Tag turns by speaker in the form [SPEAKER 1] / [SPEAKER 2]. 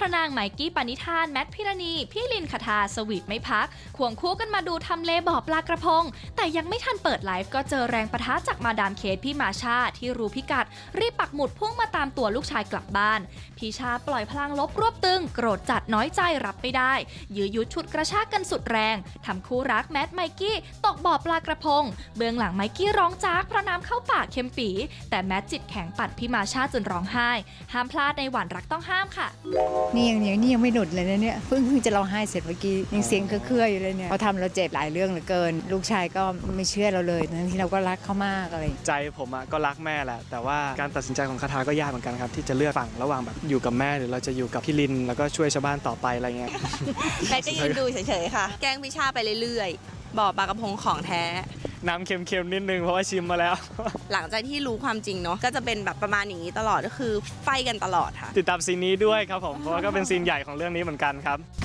[SPEAKER 1] ระนางไมกี้ปณิธานแมทพิรณีพี่ลินคทาสวีทไม่พักควงคู่กันมาดูทำเลบ่อปลากระพงแต่ยังไม่ทันเปิดไลฟ์ก็เจอแรงปะทะจากมาดามเคทพี่มาชาที่รู้พิกัดรีบปักหมุดพุ่งมาตามตัวลูกชายกลับบ้านพี่ชาปล่อยพลังลบรวบตึงโกรธจัดน้อยใจรับไม่ได้ยื้อยุดฉุดกระชากกันสุดแรงทำคู่รักแมทไมกี้ตกบ่อปลากระพงเบื้องหลังไมกี้ร้องจากเพราะน้ำเข้าปากเค็มปีแต่แมทจิตแข็งปัดพี่มาชาจนร้องไห้ห้ามพลาดในหวานรักต้องห้ามค่ะ
[SPEAKER 2] นี่ยังไม่หนุดเลยนะเนี่ยเพิ่งจะร้องไห้เสร็จเมื่อกี้ยังเสียงเครืออยู่เลยเนี่ยเขาทำเราเจ็บหลายเรื่องเหลือเกินลูกชายก็ไม่เชื่อเราเลยทั้งที่เราก็รักเขามากอะไร
[SPEAKER 3] ใจผมก็รักแม่แหละแต่ว่าการตัดสินใจของคทาก็ยากเหมือนกันครับที่จะเลือกฝั่งระหว่างแบบอยู่กับแม่หรือเราจะอยู่กับพี่ลินแล้วก็ช่วยชาวบ้านต่อไปอะไรเงี้ย
[SPEAKER 4] แม่ก็ยืนดูเฉยๆค่ะแกล้งพี่ชาไปเรื่อยๆบ่อปลากระพงของแท้
[SPEAKER 3] น้ำเค็มๆนิดนึงเพราะว่าชิมมาแล้ว
[SPEAKER 4] หลังจากที่รู้ความจริงเนาะก็จะเป็นแบบประมาณอย่างนี้ตลอดก็คือไฟกันตลอดค่ะ
[SPEAKER 3] ติดตามซีนนี้ด้วยครับผมเพราะว่าก็เป็นซีนใหญ่ของเรื่องนี้เหมือนกันครับ